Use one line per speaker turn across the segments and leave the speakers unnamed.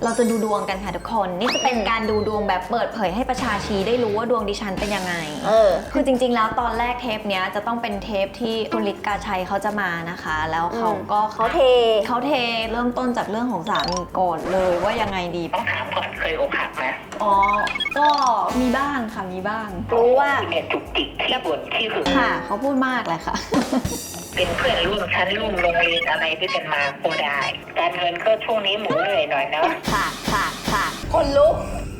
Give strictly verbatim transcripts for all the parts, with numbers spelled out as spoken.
เราจะดูดวงกันค่ะทุกคนนี่จะเป็นการดูดวงแบบเปิดเผยให้ประชาชีได้รู้ว่าดวงดิฉันเป็นยังไงเออคือจริงๆแล้วตอนแรกเทปเนี้ยจะต้องเป็นเทปที่คุณฤทธิ์กาชัยเขาจะมานะคะแล้วเขาก็
เขาเท
เขาเทเริ่มต้นจากเรื่องของสามีก่อนเลยว่ายังไงดี
ต้องถามก่อนเคยอกหักไหม
อ๋อก็มีบ้างค่ะมีบ้าง
รู้ว่า
เนี่ยจุกจิกที่บ่นที่หึง
ค่ะเขาพูดมากเลยค่ะ
เป็นเพื่อนร่วมชั้นร่วมโรงเรียนอะไรด้วยกันมาก็ได้การเงินก็ช่วงนี้หมุนเหนื่อยหน่อยนะ
ค่ะค่ะค่ะ
คนลุก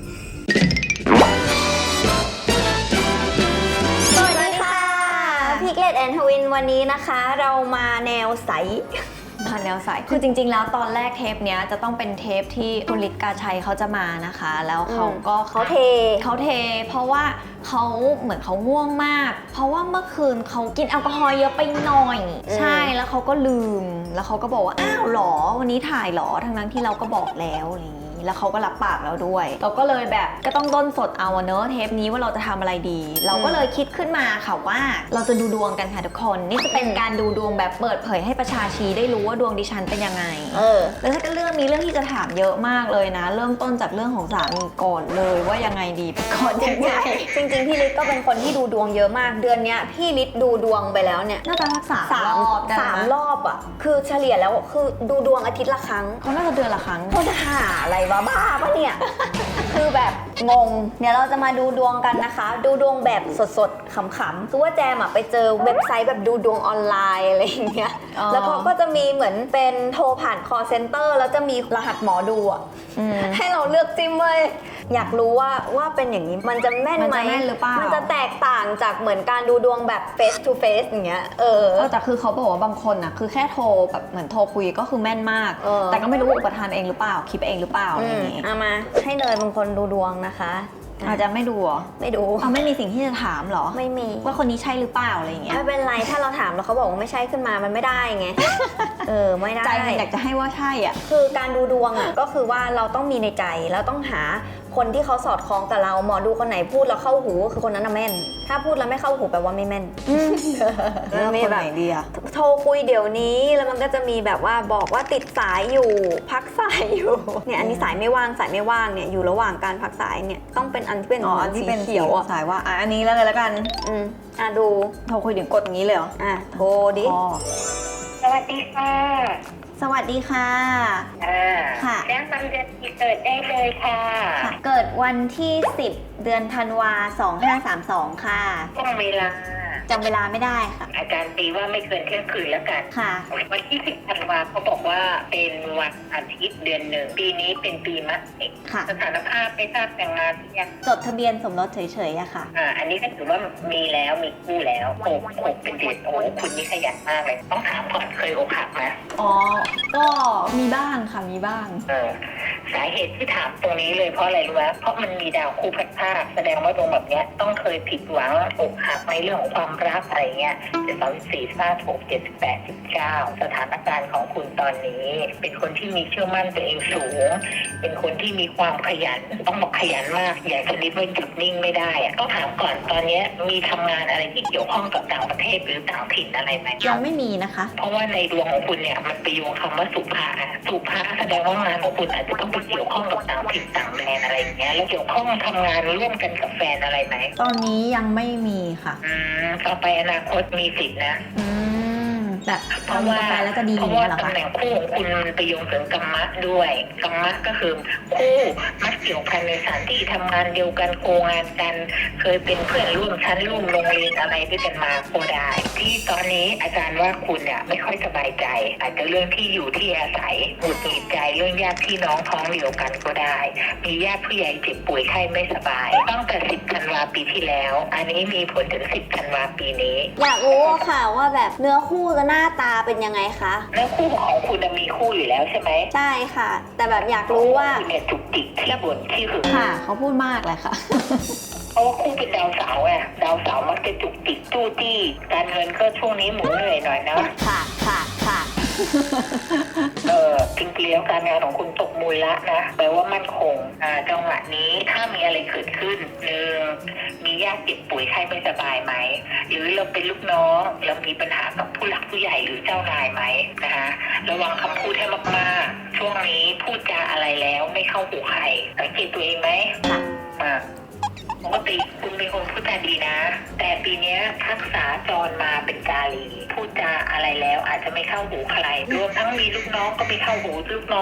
สวัสดีค่ะพิกเลตแอนทวินวันนี้นะคะเรามาแนวใส
มาแนวใสคือจริงๆแล้วตอนแรกเทปเนี้ยจะต้องเป็นเทปที่คุณฤทธิ์กาชัยเขาจะมานะคะแล้วเขาก็
เขาเท
เขาเทเพราะว่าเขาเหมือนเขาง่วงมากเพราะว่าเมื่อคืนเขากินแอลกอฮอล์เยอะไปหน่อยใช่แล้วเขาก็ลืมแล้วเขาก็บอกว่าอ้าวหรอวันนี้ถ่ายหรอทั้งนั้นที่เราก็บอกแล้วอะไรอย่างนี้แล้วเขาก็รับปากเราด้วยเราก็เลยแบบก็ต้องด้นสดเอาเนอะเทปนี้ว่าเราจะทำอะไรดีเราก็เลยคิดขึ้นมาค่ะว่าเราจะดูดวงกันค่ะทุกคนนี่จะเป็นการดูดวงแบบเปิดเผยให้ประชาชีได้รู้ว่าดวงดิฉันเป็นยังไงเออแล้วถ้าเรื่องมีเรื่องที่จะถามเยอะมากเลยนะเริ่มต้นจากเรื่องของสามีก่อนเลยว่ายังไงดีก่อนยังไง
จริงๆพี่ฤทธิ์ก็เป็นคนที่ดูดวงเยอะมากเดือนนี้พี่ฤทธิ์ดูดวงไปแล้วเนี่ย
น่าจะรักษา
สามรอบสามรอบอ่ะคือเฉลี่ยแล้วคือดูดวงอาทิตย์ละครั้ง
เขาน่าจะเดือนละครั้ง
เขาจะหาอะไรวะบ้าปะเนี่ยคือแบบงงเดี๋ยวเราจะมาดูดวงกันนะคะดูดวงแบบสดๆขำๆคือว่าแจมอะไปเจอเว็บไซต์แบบดูดวงออนไลน์อะไรอย่างเงี้ยแล้วเขาก็จะมีเหมือนเป็นโทรผ่าน call center แล้วจะมีรหัสหมอดูอะให้เราเลือกจิ้มเว้ยอยากรู้ว่าว่าเป็นอย่างนี้มันจะแม่นไหม
หรือเปล่า
มันจะแตกต่างจากเหมือนการดูดวงแบบ face to face อย่างเงี้ยเออ
แต่คือเขาบอกว่าบางคนอะคือแค่โทรแบบเหมือนโทรคุยก็คือแม่นมากแต่ก็ไม่รู้อุปทานเองหรือเปล่าคิดเองหรือเปล่าอะไรอย่างงี้
เอามาให้เนยเป็นคนดูดวงนะคะ
อาจจะไม่ดูหรอ
ไม่ดู
เอาไม่มีสิ่งที่จะถามหรอ
ไม่มี
ว่าคนนี้ใช่หรือเปล่าอะไรอย่างเงี้ย
ไม่เป็นไรถ้าเราถามแล้วเขาบอกว่าไม่ใช่ขึ้นมามันไม่ได้ไงเออไม่ได้
ใจอยากจะให้ว่าใช่อ่ะ
คือการดูดวงอ่ะก็คือว่าเราต้องมีในใจแล้วต้องหาคนที่เขาสอดคล้องกับเราหมอดูคนไหนพูดแล้วเข้าหูคือคนนั้นน่ะแม่นถ้าพูดแล้วไม่เข้าหูแปลว่าไม่แม่น
แล้วคนไหนดีอะ
โทรคุยเดี๋ยวนี้แล้วมันก็จะมีแบบว่าบอกว่าติดสายอยู่พักสายอยู่เนี่ยอันนี้สายไม่ว่างสายไม่ว่างเนี่ยอยู่ระหว่างการพักสายเนี่ยต้องเป็นอันที่เป็น
อ๋ออันที่เป็นเขียวสายว่าอ่ะอันนี้แล้วกันแล้วกัน
อืมอ่ะดู
โทรคุยถึงกดอย่างนี้เลยเหรอ
อ่ะโทรดิ
สวัสดีค่ะ
สวัสดีค่ะ
อ่า
ค่ะ
แจ้งวันเดือนปีเกิดได้เลยค่ะ
เกิดวันที่สิบเดือนธันวาสองห้าสามสองค่ะ
ช่วงเวลา
จำเวลาไม่ได้ค่ะ
อาจารย์ตีว่าไม่เกินเที่ยงคืนแล้วกัน
ค่ะ
วันที่สิบธันวาเขาบอกว่าเป็นวันอาทิตย์เดือนหนึ่งปีนี้เป็นปีมะเสงสถานภาพไม่ทราบแต่งงานหรือยัง
จดทะเบียนสมรสเฉยๆอะค่ะ
อ่าอันนี้ก็ถือว่ามีแล้วมีคู่แล้วหกหกเป็นเดือนโอ้คุณนี่ขยันมากเลยต้องถามก่อนเคยอกหักไหม
อ๋อก็มีบ้างค่ะมีบ้าง
เออสาเหตุที่ถามตรงนี้เลยเพราะอะไรรู้ไหมเพราะมันมีดาวคู่พัดภาคแสดงว่าดวงแบบนี้ต้องเคยผิดหวังอกหักในเรื่องของความรักอะไรเงี้ยเจ็ดสองสี่ห้าหกเจ็ดแปดสิบเก้าสถานการณ์ของคุณตอนนี้เป็นคนที่มีเชื่อมั่นตัวเองสูงเป็นคนที่มีความขยันต้องบอกขยันมากอย่างชนิดว่าหยุดนิ่งไม่ได้อะต้องถามก่อนตอนนี้มีทำงานอะไรที่เกี่ยวข้องกับต่างประเทศหรือต่างถิ่นอะไรไหม
ยังไม่มีนะคะ
เพราะว่าในดวงของคุณเนี่ยมันไปโยงคำว่าสุภาสุภาแสดงว่างานของคุณอาจจะต้องไปเกี่ยวข้องกับต่างถิ่นต่างแดนอะไรอย่างเงี้ยแล้วเกี่ยวข้องทำงานร่วมกันกับแฟนอะไรไหม
ตอนนี้ยังไม่มีค่ะ
อืมต่อไปอนาคตมีสิทธินะ
อืมแบบ
เพราะว่า
แล้วจะดี
เพราะว่าตำแหน่งคู่ของคุณมันไปโยงถึงกรรมะด้วยกรรมะก็คือคู่มักเกี่ยวพันในสถานที่ทำงานเดียวกันโคงานกันเคยเป็นเพื่อนร่วมชั้นร่วมโรงเรียนอะไรด้วยกันมาก็ได้ที่ตอนนี้อาจารย์ว่าคุณเนี่ยไม่ค่อยสบายใจอาจจะเรื่องที่อยู่ที่อาศัยหงุดหงิดใจเรื่องญาติพี่น้องท้องเดียวกันก็ได้มีญาติผู้ใหญ่เจ็บป่วยไข้ไม่สบายตั้งแต่สิบธันวาปีที่แล้วอันนี้มีผลถึงสิบธันวาปีนี้
อยากรู้ค่ะว่าแบบเนื้อคู่กับหน้าตาเป็นยังไงคะ
เนื้อคู่ของคุณมีคู่อยู่แล้วใช่ไหม
ใช่ค่ะแต่แบบอยากรู้ว่า
คุณเนี่ยจุกจิกที่บ่นที่หึง
ค่ะเขาพูดมากเลยค่ะ
เพราะว่าคู่เป็นดาวเสาร์ไงดาวเสาร์มักจะจุกจิกจู้จี้การเงินก็ช่วงนี้หมุนเหนื่อยหน่อยนะ
ค่ะค่ะค่ะ
เออจริงๆแล้วการงานของคุณตกมูลละนะแปลว่ามั่นคงอ่าจังหวะนี้ถ้ามีอะไรเกิดขึ้นหนึ่งมีญาติเจ็บป่วยไข้ไม่สบายไหมหรือเราเป็นลูกน้องเรามีปัญหากับผู้หลักผู้ใหญ่หรือเจ้านายไหมนะคะระวังคำพูดให้มากๆช่วงนี้พูดจาอะไรแล้วไม่เข้าหูใครสังเกตตัวเองไหมอ่าปกติคุณเป็นคนพูดจาดีนะแต่ปีนี้ทักษะจรมาเป็นกาลีพูดจาอะไรแล้วอาจจะไม่เข้าหูใครรวมทั้งมีลูกน้องก็ไม่เข้าหูลูกน้อง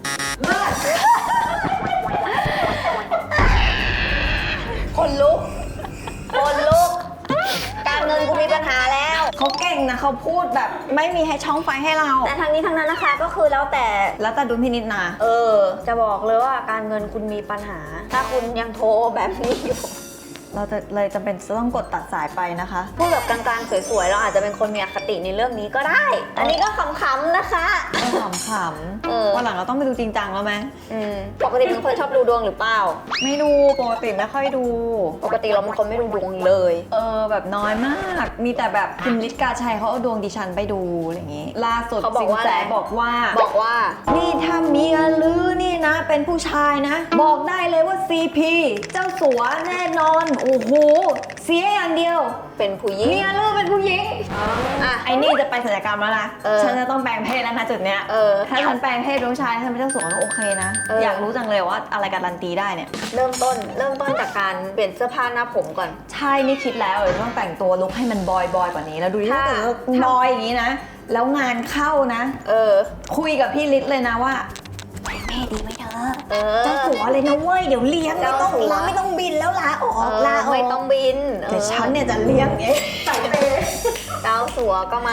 คนลุก คนลุก การเงินกูมีปัญหาแล้ว
เขาเก่งนะเขาพูดแบบไม่มีให้ช่องไฟให้เรา
แต่ทั้งนี้ทั้งนั้นนะคะก็คือแล้วแต่
แล้วแต่ดุลพินิจนะ
เออ จะบอกเลยว่าการเงินคุณมีปัญหา ถ้าคุณยังโทรแบบนี้อยู่
เราจะเลยจำเป็นจะต้องกดตัดสายไปนะคะ
พูดแบบกลางๆสวยๆเราอาจจะเป็นคนมีอคติในเรื่องนี้ก็ได้ อันนี้ก็ขำๆนะคะ
ขำข
เออ
ำวันหลังเราต้องไปดูจริงจังแล้วไหม
อืมปกติเป็นคนชอบดูดวงหรือเปล่า
ไม่ดูปกติไม่ค่อยดู
ปกติเราเป็นคนไม่ดูดวงเลย
เออแบบน้อยมาก มีแต่แบบคุณฤทธิ์กาชัยเขาเอาดวงดิฉันไปดูอะไรอย่างงี้ ล่าสุด
เขาบอก
สิน
ว่า
แส
อะไร
บอกว่า
บอกว่า
นี่ถ้าเมียลือนี่นะ เป็นผู้ชายนะ บอกได้เลยว่า ซี พี เจ้าสัวแน่นอน โอ้โห เสียอย่างเดียว
เป็นผู้หญิง
เมียลือเป็นผู้หญิง
อ่ะ
ไอ้นี่จะไปศัลยกรรมแล้วนะ
เออ
ฉันจะต้องแปลงเพศแล้วนะจุดเนี้ย
เออ
ถ้าฉันแปลงเพศเป็นผู้ชายฉันเป็นเจ้าสัวก็โอเคนะ
เอออ
อยากรู้จังเลยว่าอะไรการันตีได้เนี่ย
เริ่มต้น เริ่มต้นจากการเปลี่ยนเสื้อผ้าหน้าผมก่อน
ใช่นี่คิดแล้วเดี๋ยวต้องแต่งตัวลุคให้มันบอยบอยกว่านี้ แล้วดูดิ
ถ้า
ถ้าเกิดว่าบอยอย่างนี้นะ แล้วงานเข้านะ
เออ
คุยกับพี่ฤทธิ์เลยนะว่าแม่ดีไหมเธอ
เออ
เจ้าสัวเลยนะเว้ยเดี๋ยวเลี้ยงไม่ต้อง
เจ้าสัว
ลาไม่ต้องบินแล้วลาออก
เออ
ลาออก
ไม่ต้องบิน
เดี๋ยวฉันเนี่ยจะเลี้ยงเองใส่เป
เจ้าสัวก็มา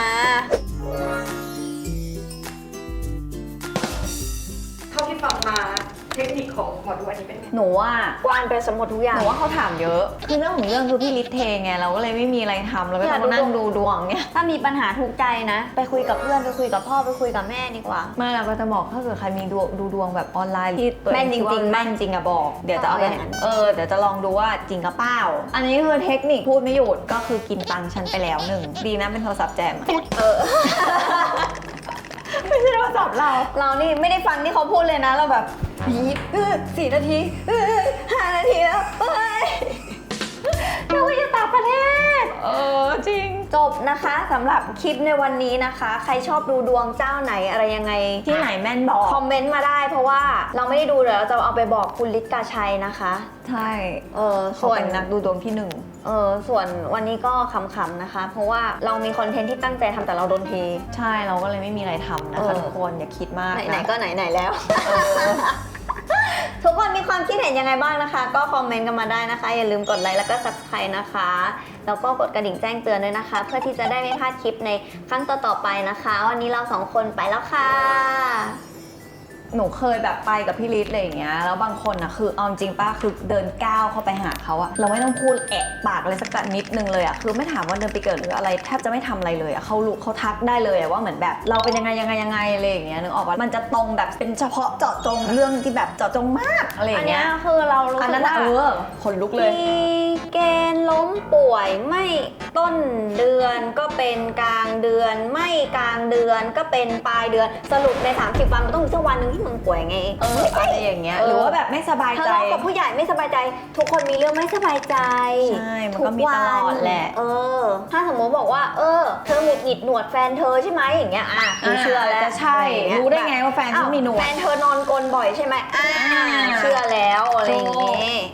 เท่าที่ฟังมาเทคนิคของหมอดูอันนี้เป็นไง
หนูว่า
กวานไปสมหมดทุกอย่า
ห
ง
นูว่าเขาถามเยอะ คือเรื่องของเรื่องคือพี่ฤทธิ์เทไงเราก็เลยไม่มีอะไรทำเราก็ต้องมานั่งดูดวงเนี่ย
ถ้ามีปัญหาทุกข์ใจนะ ไปคุยกับเพื่อน ไปคุยกับพ่อ ไปคุยกับแม่ดีกว่า
ไม่เราก็จะบอกถ้าเกิดใครมีดูดูดวงแบบออนไลน์ที่ตัวเอ
แม่นจริงๆ
คิดว่าแม่นจริงอะบอก เดี๋ยวจะเอาไป
เอาอย่างนั้น
เออเดี๋ยวจะลองดูว่าจริงกับเปล่า อันนี้คือเทคนิคพูดไม่หยุดก็คือกินตังค์ฉันไปแล้วหนึ่งดีนะเป็นโทรศัพท์แจมอะ
เออ
ไม่ใช่โทรศัพท์เรา
เรานี่ไม่ได้ฟังที่เขาพูดเลยนะ เราแบบปี๊บเออสี่นาทีเออห้านาทีแล้วเฮ้ยนึกว่าจะต่างประเทศ
เออจริง
จบนะคะสำหรับคลิปในวันนี้นะคะ ใครชอบดูดวงเจ้าไหนอะไรยังไง
ที่ไหนแม่นบอก
คอมเมนต์มาได้เพราะว่าเราไม่ได้ดูเดี๋ยวเราจะเอาไปบอกคุณฤทธิ์กาชัยนะคะ
ใช่
เออ
เขา
ส่วน
เป็นนักดูดวงที่หนึ่ง
เออส่วนวันนี้ก็ขำๆนะคะ เพราะว่าเรามีคอนเทนต์ที่ตั้งใจทำแต่เราโดนเท
ใช่เราก็เลยไม่มีอะไรทำนะ
เอ
คะ
อ
ทุกคนอย่าคิดมาก
ไหน
นะ
ๆก็ไหนๆแล้ว ทุกคนมีความคิดเห็นยังไงบ้างนะคะ ก็คอมเมนต์กันมาได้นะคะ อย่าลืมกดไลค์แล้วก็ ซับสไครบ์ นะคะ แล้วก็กดกระดิ่งแจ้งเตือนด้วยนะคะ เพื่อที่จะได้ไม่พลาดคลิปในครั้งต่อๆไปนะคะ วันนี้เราสองคนไปแล้วค่ะ
หนูเคยแบบไปกับพี่ฤทธิ์อะไรอย่างเงี้ยแล้วบางคนอ่ะคือเอาจริงป้าคือเดินก้าวเข้าไปหาเขาอะเราไม่ต้องพูดแอะปากอะไรสักนิดนึงเลยอะคือไม่ถามว่าเดินไปเกิดหรืออะไรแทบจะไม่ทำอะไรเลยอะเขารู้เขาทักได้เลยอะว่าเหมือนแบบเราเป็นยังไงยังไงยังไงอะไรอย่างเงี้ยนึกออกปะมันจะตรงแบบเป็นเฉพาะเจาะจงเรื่องที่แบบเจาะจงมากอะไรอ
อัน
ย่าง
เนี้
เงี้
ย
ย
คือเรารู้
อัน
สึ
นั้
ก
น
ว่า
อะเออขนลุกเลย
มีเกณฑ์ล้มป่วยไม่ต้นเดือนก็เป็นกลางเดือน ไม่กลางเดือนก็เป็นปลายเดือน สรุปในสามสิบวันมันต้องมีสักวันหนึ่งที่มึงป่วยไง
เอออะไรอย่างเงี้ย
เออ
หรือว่าแบบไม่สบาย
ทะ
ใจ
เลาะกับผู้ใหญ่ไม่สบายใจ ทุกคนมีเรื่องไม่สบายใจ
ใช่มันก็มีตลอดแหละ
เออ ถ้าสมมติบอกว่า เออ เธอหงุดหงิดหนวดแฟนเธอใช่ไหมอย่างเงี้ย อ่ะกูเชื่อแล้ว
จะใช่
อะอย่างเงี้ย
รู้ได้ไงว่าแฟนฉันมีหนวด
แฟนเธอนอนกลนบ่อยใช่ไหมอ่าเชื่อแล้วอะไรอย่างงี้